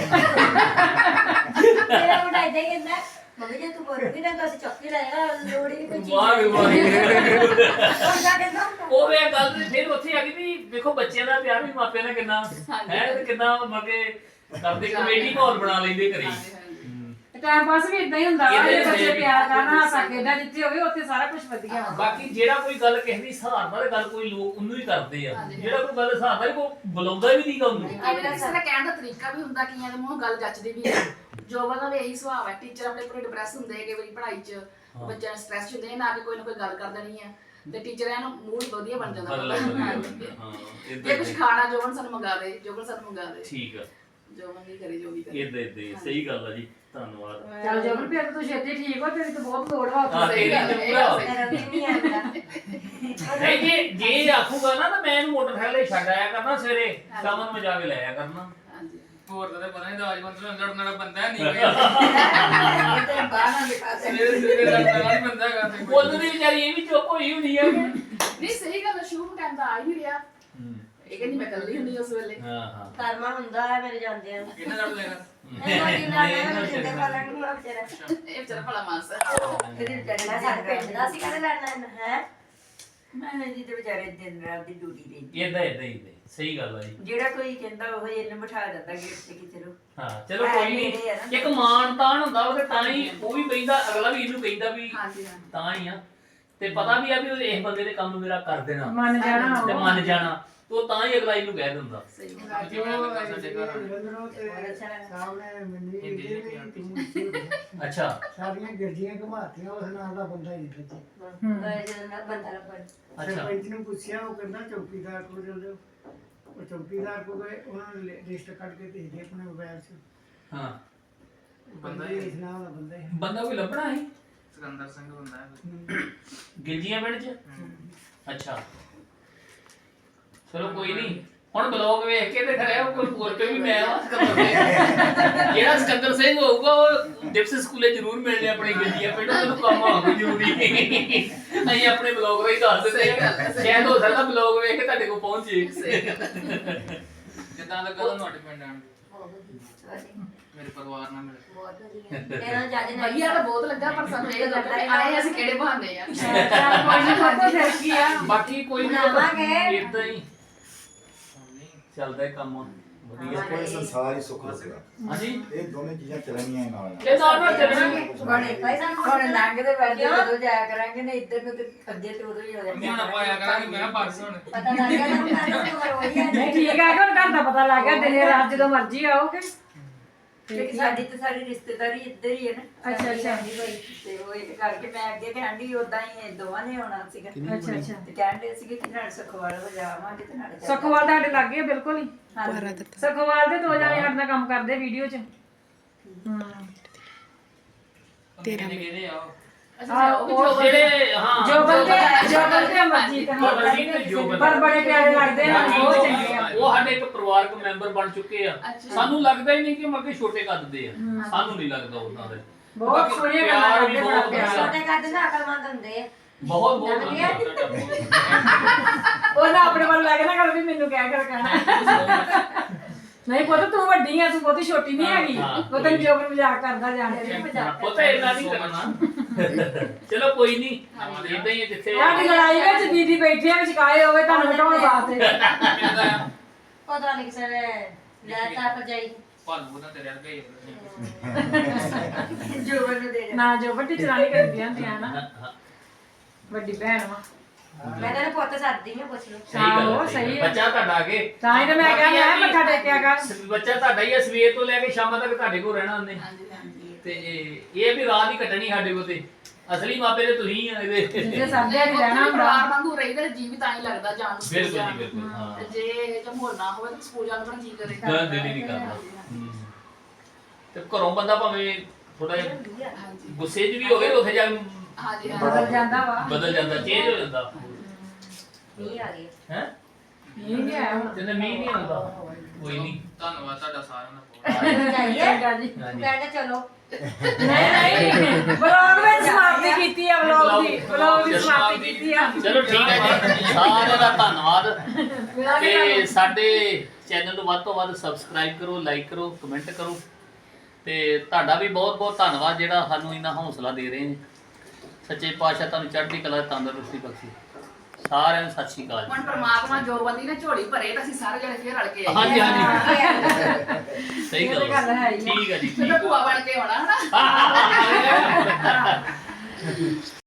F: ਮੇਰਾ ਮੁੰਡਾ ਇਦਾਂ ਹੀ ਕਹਿੰਦਾ ਮੰਮੀ ਜੇ ਤੂੰ ਬੋਲੋਗੀ ਨਾ ਤਾਂ ਅਸੀਂ ਚੌਕੀ ਲਾਏਗਾ ਲੋੜ ਹੀ ਨਹੀਂ ਕੋਈ ਚੀਜ਼
A: ਵਾਹ ਵੀ ਵਾਹ
F: ਉਹਦਾ ਕਹਿੰਦਾ
A: ਉਹ ਵੇ ਗੱਲ ਤੇ ਫਿਰ ਉੱਥੇ ਆ ਗਈ ਵੀ ਵੇਖੋ ਬੱਚਿਆਂ ਦਾ ਪਿਆਰ ਵੀ ਮਾਪਿਆਂ ਨਾਲ ਕਿੰਨਾ ਹੈ ਤੇ ਕਿੰਨਾ ਮਗੇ ਕਰਦੇ ਕਮੇਟੀ ਮਾਹੌਲ ਬਣਾ ਲੈਂਦੇ ਘਰੇ
D: ਹਾਂਜੀ, ਹਾਂਜੀ।
B: ਤੇ ਟਾਈਮ ਪਾਸ ਵੀ ਇਦਾਂ ਹੀ ਹੁੰਦਾ ਵਾ
A: ਇਹਦੇ
B: ਜੇ ਬੱਚੇ
A: ਵਿੱਚ
B: ਪਿਆਰ ਕਰਨਾ ਹਾਸਾ ਖੇਡਾਂ ਜਿੱਥੇ ਹੋਵੇ ਉੱਥੇ ਸਾਰਾ ਕੁਝ ਵਧੀਆ ਵਾ
A: ਬਾਕੀ ਜਿਹੜਾ ਕੋਈ ਗੱਲ ਕਿਸੇ ਦੀ ਸਹਾਰਨਾ ਤੇ ਗੱਲ ਕੋਈ ਲੋਕ ਉਹਨੂੰ ਹੀ ਕਰਦੇ ਆ ਜਿਹੜਾ ਕੋਈ ਗੱਲ ਸਹਾਰਨਾ ਹੀ ਕੋਈ ਬੁਲਾਉਂਦਾ ਵੀ ਨਹੀਂਗਾ ਉਹਨੂੰ
D: ਅਗਲੇ ਕਿਸੇ ਦਾ ਕਹਿਣ ਦਾ ਤਰੀਕਾ ਵੀ ਹੁੰਦਾ ਕਈਆਂ ਦੇ ਮੂੰਹੋਂ ਗੱਲ ਜੱਚਦੀ ਵੀ ਹੈ ਜੋਬਾਂ ਦਾ ਵੀ ਇਹੀ ਸੁਭਾਅ ਹੈ ਟੀਚਰ ਆਪਣੇ ਪੂਰੇ ਡਿਪਰੈਸ ਹੁੰਦੇ ਕਈ ਵਾਰੀ ਪੜ੍ਹਾਈ 'ਚ ਬੱਚਿਆਂ ਸਟ੍ਰੈਸ ਹੁੰਦੇ ਨਾ ਕਿ ਕੋਈ ਨਾ ਕੋਈ ਗੱਲ ਕਰ ਦੇਣੀ ਹੈ ਤੇ ਟੀਚਰਾਂ ਨੂੰ ਮੂਡ ਵਧੀਆ ਬਣ ਜਾਂਦਾ
A: ਬਦਲ
D: ਹਾਂ
A: ਹਾਂ
D: ਜੇ ਕੁਝ ਖਾਣਾ ਜੋਬਨ ਸਾਨੂੰ ਮੰਗਾ ਦੇ ਜੋਬਨ ਸਾਨੂੰ ਮੰਗਾ ਦੇ
A: ਠੀਕ ਆ
D: ਜੋਬਨ ਨਹੀਂ ਕਰੇ ਜੋ ਵੀ ਕਰੇ
A: ਇਦਾਂ ਇਦਾਂ ਸਹੀ ਗੱਲ ਆ ਜੀ ਧੰਨਵਾਦ
B: ਚੱਲ ਜੋਬਨ ਫਿਰ ਤਾਂ ਤੂੰ ਛੇਤੀ ਠੀਕ ਹੋ ਤੇਰੀ ਤਾਂ ਬਹੁਤ ਲੋੜ ਵਾ
A: ਹਾਂ
B: ਉੱਥੇ
A: ਤੇਰੀ
D: ਗੱਲ ਹੈ,
A: ਤੇ ਪੂਰਾ
F: ਮੇਰਾ ਵੀ ਨਹੀਂ ਆਉਂਦਾ
A: ਨਹੀਂ ਜੇ ਜੇ ਆਖੂਗਾ ਨਾ ਤਾਂ ਮੈਂ ਇਹਨੂੰ ਮੋਟਰਸਾਈਕਲ ਤੇ ਛੱਡ ਆਇਆ ਕਰਨਾ ਸਵੇਰੇ ਸ਼ਾਮ ਨੂੰ ਮੈਂ ਜਾ ਕੇ ਲੈ ਆਇਆ ਕਰਨਾ
D: ਹਾਂਜੀ
C: ਹੋਰ ਤਾਂ ਪਤਾ ਨਹੀਂ ਰਾਜਵੰਤ ਨੂੰ ਲੜਨ ਵਾਲਾ ਬੰਦਾ ਨਹੀਂ ਕੋਈ
F: ਤੇ ਬਾਹਰ ਨਾ ਦਿਖਾ ਦੇ
C: ਸਵੇਰੇ ਸਵੇਰੇ ਲੜਨ ਵਾਲਾ ਬੰਦਾ ਹੈਗਾ ਤੇ ਕੋਈ।
A: ਬੋਲਦੀ ਵਿਚਾਰੀ ਇਹ ਵੀ ਚੁੱਪ ਹੋਈ ਹੁੰਦੀ ਆ ਕਿ
D: ਨਹੀਂ ਸਹੀ ਗੱਲ ਸ਼ੁਰੂ ਟਾਈਮ ਤਾਂ ਆ ਹੀ ਨਹੀਂ ਰਿਹਾ ਇਹ ਕਹਿੰਦੀ ਮੈਂ ਕੱਲੀ ਹੁੰਦੀ ਉਸ ਵੇਲੇ
A: ਹਾਂ ਹਾਂ
F: ਕਰਮਾ ਹੁੰਦਾ ਹੈ ਮੇਰੇ ਜਾਂਦਿਆਂ ਨੂੰ
C: ਕਿਹਨੇ ਲੜ ਲੈਗਾ
F: ਇਹਨਾਂ ਦੀ ਨਾਲ ਇਹਨਾਂ ਦੇ ਵਾਲਾ ਨੂੰ ਆ ਵਿਚਾਰਾ
D: ਇਹ ਵਿਚਾਰਾ ਭਲਾ ਮਾਨਸ ਹੈ
F: ਇਹਦੇ ਵਿਚਾਰੇ ਸਾਡੇ ਪਿੰਡ ਦਾ ਸੀ ਕਹਿੰਦੇ ਲੜਨਾ ਹੈ ਮੈਂ ਜੀ ਤੇ ਵਿਚਾਰੇ ਦਿਨ ਰਾਤ ਦੀ ਡਿਊਟੀ ਦੇ
A: ਇਦਾਂ ਇਦਾਂ ਹੀ ਸਹੀ ਗੱਲ ਆ ਜੀ
F: ਜਿਹੜਾ ਕੋਈ ਕਹਿੰਦਾ ਉਹ ਇਹਨੂੰ ਬਿਠਾ ਦਿੰਦਾ ਗੇਟ ਤੇ ਕਿ ਚਲੋ
A: ਹਾਂ ਚਲੋ ਕੋਈ ਨਹੀਂ ਇੱਕ ਮਾਣ ਤਾਣ ਹੁੰਦਾ ਉਹ ਤੇ ਤਾਂ ਹੀ ਉਹ ਵੀ ਕਹਿੰਦਾ ਅਗਲਾ ਵੀ ਇਹਨੂੰ ਕਹਿੰਦਾ ਵੀ
D: ਹਾਂਜੀ ਹਾਂਜੀ
A: ਤਾਂ ਹੀ ਆ ਤੇ ਪਤਾ ਵੀ ਆ ਵੀ ਉਹ ਇਸ ਬੰਦੇ ਨੇ ਕੰਮ ਮੇਰਾ ਕਰ ਦੇਣਾ
B: ਮੰਨ ਜਾਣਾ
A: ਤੇ
B: ਉਹ।
A: ਮੰਨ ਜਾਣਾ ਤੇ ਉਹ ਤਾਂ ਹੀ ਅਗਲਾ ਇਹਨੂੰ ਕਹਿ ਦਿੰਦਾ
D: ਸਹੀ ਗੱਲ
C: ਜਿਵੇਂ ਲੱਗਾ ਸਾਡੇ ਘਰ
A: ਅੱਛਾ
G: ਸਾਰੀਆਂ ਗਿਰਜੀਆਂ ਘੁਮਾਤੀਆਂ ਉਸ ਨਾਲ ਦਾ ਬੰਦਾ ਹੀ ਨਹੀਂ ਬੱਚੇ
F: ਜਦੋਂ ਨਾ ਬੰਦਾ ਲੱਭਣ
A: ਅੱਛਾ
G: ਸਰਪੰਚ ਨੂੰ ਪੁੱਛਿਆ ਉਹ ਕਹਿੰਦਾ ਚੌਕੀਦਾਰ ਕੋਲ ਚਲ ਜਾਓ ਉਹ ਚੌਕੀਦਾਰ ਕੋਲ ਗਏ ਉਹਨਾਂ ਨੇ ਲਿਸਟ ਕੱਢ ਕੇ ਭੇਜੀ ਆਪਣੇ ਮੋਬਾਈਲ 'ਚ
A: ਹਾਂ
C: ਬੰਦਾ
G: ਬੰਦਾ
C: ਹੀ
G: ਇਸ ਨਾਲ ਦਾ ਬੰਦਾ ਹੀ
A: ਬੰਦਾ ਕੋਈ ਲੱਭਣਾ ਸੀ
C: ਸਿਕੰਦਰ ਸਿੰਘ ਬੰਦਾ ਹੈ
A: ਗਿਲਜੀਆਂ ਪਿੰਡ ਚ ਅੱਛਾ ਚਲੋ ਕੋਈ ਨਹੀਂ ਹੁਣ ਬਲੌਗ ਵੇਖ ਕੇ ਤੇ ਖਰਿਆ ਕੋਈ ਹੋਰ ਕੋਈ ਵੀ ਮੈਂ ਆ ਸਿਕੰਦਰ ਸਿੰਘ ਜਿਹੜਾ ਸਿਕੰਦਰ ਸਿੰਘ ਹੋਊਗਾ ਉਹ ਡਿਪਸ ਸਕੂਲੇ ਜ਼ਰੂਰ ਮਿਲਣੇ ਆਪਣੇ ਗਿਲਜੀਆਂ ਪਿੰਡ ਉਹਨੂੰ ਕੰਮ ਆਉਣਾ ਜ਼ਰੂਰੀ ਅਸੀਂ ਆਪਣੇ ਬਲੌਗ ਰਾਹੀਂ ਦੱਸ ਦਿੰਦੇ ਆ ਸ਼ਾਇਦ ਹੋ ਸਕਦਾ ਬਲੌਗ ਵੇਖ ਕੇ ਤੁਹਾਡੇ ਕੋਲ ਪਹੁੰਚੇ
C: ਜਿੱਦਾਂ ਲੱਗਾ ਤੁਹਾਨੂੰ ਸਾਡੇ ਪਿੰਡ ਆਣ ਮੇਰੇ ਪਰਿਵਾਰ ਨਾਲ ਮਿਲ
F: ਬਹੁਤ ਵਧੀਆ ਇਹਨਾਂ ਜਿਆਦਾ ਨਾ
D: ਵਧੀਆ ਤਾਂ ਬਹੁਤ ਲੱਗਾ ਪਰ ਸਾਨੂੰ ਇਹ ਲੱਗਾ ਕਿ ਆਏ ਅਸੀਂ ਕਿਹੜੇ ਬਹਾਨੇ ਆ
B: ਚੱਲ ਕੋਈ ਨਹੀਂ ਪਤਾ ਫਿਰ ਕੀ ਆ
A: ਬਾਕੀ ਕੋਈ
F: ਬਣਾਵਾਂਗੇ।
A: ਨਹੀਂ ਇਦਾਂ ਹੀ ਚੱਲਦਾ ਹੈ ਕੰਮ ਵਧੀਆ
E: ਕੋਈ ਸੰਸਾਰ ਹੀ ਸੁੱਖ ਲੱਗਦਾ
A: ਹਾਂਜੀ
E: ਇਹ ਦੋਵੇਂ ਚੀਜ਼ਾਂ ਚੱਲਣੀਆਂ ਨਾਲ
A: ਇਹ ਨਾਲ ਨਾਲ ਚੱਲਣਗੇ
F: ਬਣੇ ਪੈਸਾ ਹੁਣ ਲੰਘਦੇ ਵੜਦੇ ਜਦੋਂ ਜਾਇਆ ਕਰਾਂਗੇ ਨਾ ਇੱਧਰ ਨੂੰ ਤੇ ਅੱਧੇ ਤੇ ਉਧਰ ਹੀ ਹੋ
C: ਮੰਮੀ ਹੁਣ ਪਾਇਆ ਕਰਾਂਗੇ ਮੈਂ ਬਸ ਹੁਣ
F: ਪਤਾ ਲੱਗ ਗਿਆ ਨਾ ਤੁਹਾਨੂੰ ਤਾਂ ਉਹੀ ਹੈ
B: ਨਹੀਂ ਠੀਕ ਆ ਕਿ ਹੁਣ ਘਰ ਦਾ ਪਤਾ ਲੱਗ ਗਿਆ ਦਿਨੇ ਰਾਤ ਜਦੋਂ ਮਰਜ਼ੀ ਆਓਗੇ
F: ਕਿ ਸਾਡੀ ਤੇ ਸਾਰੀ ਰਿਸ਼ਤੇਦਾਰੀ ਇੱਧਰ ਹੀ ਹੈ ਨਾ
B: ਅੱਛਾ, ਅੱਛਾ।
F: ਸਾਡੀ ਹੋਈ ਤੇ ਉਹ ਇਹ ਕਰਕੇ ਮੈਂ ਅੱਗੇ ਤੇ ਆਂਡੀ ਉਦਾਂ ਹੀ ਇਹ ਦੋਵਾਂ ਨੇ ਆਉਣਾ ਸੀਗਾ
B: ਅੱਛਾ ਅੱਛਾ
F: ਤੇ ਕਹਿੰਦੇ ਸੀਗੇ ਕਿ ਨਾਲ ਸੁਖਵਾਲ ਵਜਾਵਾਂਗੇ ਤੇ ਨਾਲ
B: ਸਖੋਵਾਲ ਤੁਹਾਡੇ ਲੱਗ ਗਏ ਬਿਲਕੁਲ ਹੀ
F: ਹਾਂਜੀ
B: ਸਖੋਵਾਲ ਦੇ ਦੋ ਜਾਣੇ ਸਾਡੇ ਨਾਲ ਕੰਮ ਕਰਦੇ ਵੀਡੀਓ 'ਚ ਹੂੰ
C: ਤੇਰਾ ਕਿਹਦੇ ਆ ਉਹ?
B: ਆ ਉਹ
A: ਜਿਹੜੇ ਹਾਂ
B: ਜੋ ਬੰਦੇ ਜੋ ਬੰਦੇ ਅਮਰਜੀਤ
A: ਅਮਰਜੀਤ ਤੇ ਜੋ ਬੰਦੇ।
B: ਪਰ ਬੜੇ ਪਿਆਰੇ ਲੱਗਦੇ ਆ ਬਹੁਤ ਚੰਗੇ ਆ
A: ਉਹ ਸਾਡੇ ਇੱਕ ਪਰਿਵਾਰਕ ਮੈਂਬਰ ਬਣ ਚੁੱਕੇ ਆ
D: ਅੱਛਾ।
A: ਸਾਨੂੰ ਲੱਗਦਾ ਹੀ ਨਹੀਂ ਕਿ ਮੱਕੇ ਛੋਟੇ ਕੱਦ ਦੇ ਆ ਸਾਨੂੰ ਨਹੀਂ ਲੱਗਦਾ ਉਹਨਾਂ ਦੇ
B: ਬਹੁਤ
A: ਬਾਕੀ
B: ਸੋਹਣੀਆਂ
A: ਪਿਆਰ
B: ਗੱਲਾਂ
A: ਵੀ
B: ਕਰਦੇ
A: ਬਹੁਤ
B: ਬੜਾ ਪਿਆਰ
A: ਵਧੀਆ।
F: ਛੋਟੇ ਕੱਦ ਦਾ ਅਕਲਮੰਦ ਹੁੰਦੇ ਆ
A: ਬਹੁਤ ਬਹੁਤ ਵਧੀਆ।
B: ਉਹਨਾਂ ਆਪਣੇ ਵੱਲ ਲੱਗ ਨਾ ਕਰ ਵੀ ਮੈਨੂੰ ਕਹਿ ਕਰ ਕਹਿਣਾ ਨਹੀਂ ਪੁੱਤ ਤੂੰ ਵੱਡੀ ਆ ਤੂੰ ਬਹੁਤੀ ਛੋਟੀ ਨਹੀਂ ਹੈਗੀ
A: ਹਾਂ,
B: ਉਹ ਤੈਨੂੰ ਜੋ ਵੀ ਮਜ਼ਾਕ ਕਰਦਾ ਜਾਣਦੇ
A: ਉਹ ਤਾਂ ਇੰਨਾ ਨਹੀਂ ਕਰਨਾ ਚਲੋ ਕੋਈ ਨਹੀਂ ਇਦਾਂ ਹੀ ਆ ਜਿੱਥੇ
B: ਸਾਡੀ ਲੜਾਈ ਵਿੱਚ ਦੀਦੀ ਬੈਠੀ ਆ ਵਿਚਕਾਏ ਹੋਵੇ ਤੁਹਾਨੂੰ ਹਟਾਉਣ ਵਾਸਤੇ
C: ਕਿਹਦਾ ਆ
F: ਪਤਾ ਨਹੀਂ ਕਿਸੇ ਨੇ ਲੈ ਤਾਂ ਭਜਾਈ
C: ਭਾਲੂ ਨਾ ਤੇਰੇ ਵਰਗਾ ਹੀ
F: ਜੋ ਬਣ ਦੇ
B: ਨਾ ਜੋ ਵੱਡੀ ਚਲਾਣੀ ਕਰਦੀਆਂ ਹੁੰਦੀਆਂ ਨਾ ਵੱਡੀ ਭੈਣ ਵਾ
F: ਮੈਂ ਤਾਂ ਪੁੱਤ ਸੱਦਦੀ ਮੈਂ ਪੁੱਛ ਲਓ
A: ਸਹੀ ਗੱਲ
B: ਆਹੋ,
A: ਹੈ, ਸਹੀ
B: ਸਹੀ
A: ਹੈ।
B: ਹੈ।
A: ਬੱਚਾ ਤੁਹਾਡਾ ਅੱਗੇ
B: ਤਾਂ ਹੀ ਤਾਂ ਮੈਂ ਕਿਹਾ ਮੈਂ ਮੱਥਾ ਟੇਕਿਆ ਕਰ
A: ਬੱਚਾ ਤੁਹਾਡਾ ਹੀ ਆ ਸਵੇਰ ਤੋਂ ਲੈ ਕੇ ਸ਼ਾਮਾਂ ਤੱਕ ਤੁਹਾਡੇ ਕੋਲ ਰਹਿਣਾ ਉਹਨੇ
D: ਹਾਂਜੀ ਹਾਂਜੀ
A: ਤੇ ਇਹ ਵੀ ਰਾਤ ਹੀ ਕੱਟਣੀ ਸਾਡੇ ਕੋਲ ਤੇ ਅਸਲੀ ਮਾਪੇ ਤੇ ਤੁਸੀਂ ਆ ਇਹਦੇ
B: ਜੇ ਸਮਝਿਆ ਨਹੀਂ ਰਹਿਣਾ ਹੁੰਦਾ
D: ਪਰਿਵਾਰ ਵਾਂਗੂ ਰਹੀਦਾ ਜੀ ਵੀ ਤਾਂ ਹੀ ਲੱਗਦਾ ਜਾਣ ਨੂੰ ਸਕੂਲ
A: ਬਿਲਕੁਲ
D: ਜਾਣ
A: ਜੀ
D: ਨੂੰ।
A: ਬਿਲਕੁਲ ਹਾਂ
D: ਤੇ ਜੇ ਇਹ ਜਿਹਾ ਮਾਹੌਲ ਨਾ ਹੋਵੇ ਤਾਂ ਸਕੂਲ ਜਾਣ ਨੂੰ ਜੀ ਕਰੇ
A: ਹਾਂ ਦਿਲ ਹੀ ਨਹੀਂ ਕਰਦਾ ਹੂੰ। ਤੇ ਘਰੋਂ ਬੰਦਾ ਭਾਵੇਂ ਥੋੜਾ ਜਿਹਾ
D: ਹਾਂਜੀ
A: ਗੁੱਸੇ 'ਚ ਵੀ ਹੋਵੇ ਤੇ ਉੱਥੇ ਜਾ ਕੇ
D: ਹਾਂਜੀ
B: ਬਦਲ
D: ਹਾਂਜੀ
B: ਜਾਂਦਾ ਵਾ
A: ਬਦਲ ਜਾਂਦਾ ਚੇਂਜ ਹੋ ਜਾਂਦਾ
F: ਨਹੀਂ ਆ ਗਏ
A: ਹੈ
B: ਇਹ ਨਹੀਂ ਆਇਆ ਹੁਣ
A: ਤੇ ਮੀਂਹ ਨਹੀਂ ਆਉਂਦਾ ਕੋਈ ਨਹੀਂ
C: ਧੰਨਵਾਦ ਤੁਹਾਡਾ ਸਾਰਿਆਂ ਦਾ ਬਹੁਤ
F: ਜਾਈਏ
B: ਚੰਗਾ ਜੀ
A: ਹਾਂਜੀ।
F: ਕਹਿੰਦੇ ਚਲੋ
B: ਨਹੀਂ ਨਹੀਂ ਵਲੌਗ ਵਿੱਚ ਸਮਾਪਤੀ ਕੀਤੀ ਆ ਵਲੌਗ ਦੀ ਵਲੌਗ ਦੀ ਸਮਾਪਤੀ ਕੀਤੀ ਆ
A: ਚਲੋ ਠੀਕ ਹੈ ਜੀ ਸਾਰਿਆਂ ਦਾ ਧੰਨਵਾਦ ਤੇ ਸਾਡੇ ਚੈਨਲ ਨੂੰ ਵੱਧ ਤੋਂ ਵੱਧ ਸਬਸਕ੍ਰਾਈਬ ਕਰੋ ਲਾਈਕ ਕਰੋ ਕਮੈਂਟ ਕਰੋ ਤੇ ਤੁਹਾਡਾ ਵੀ ਬਹੁਤ ਬਹੁਤ ਧੰਨਵਾਦ ਜਿਹੜਾ ਸਾਨੂੰ ਇੰਨਾ ਹੌਸਲਾ ਦੇ ਰਹੇ ਨੇ ਸੱਚੇ ਪਾਤਸ਼ਾਹ ਤੁਹਾਨੂੰ ਚੜ੍ਹਦੀ ਕਲਾ ਤੰਦਰੁਸਤੀ ਬਖਸ਼ੇ ਸਾਰਿਆਂ ਨੂੰ ਸਤਿ ਸ਼੍ਰੀ ਅਕਾਲ
D: ਹੁਣ
A: ਜੀ।
D: ਪਰਮਾਤਮਾ ਜੋ ਬੰਦੀ ਨੇ ਝੋਲੀ ਭਰੇ ਤਾਂ ਅਸੀਂ ਸਾਰੇ ਜਣੇ ਫੇਰ ਰਲ ਕੇ ਆਈਏ
A: ਹਾਂਜੀ ਹਾਂਜੀ ਸਹੀ
B: ਇਹ ਤਾਂ
A: ਗੱਲ
B: ਗੱਲ ਹੈ ਹੀ ਆ।
A: ਠੀਕ ਹੈ ਜੀ
D: ਤੇ
A: ਠੀਕ
D: ਭੂਆ ਬਣ ਕੇ ਆਉਣਾ ਹਨਾ
A: ਹੈ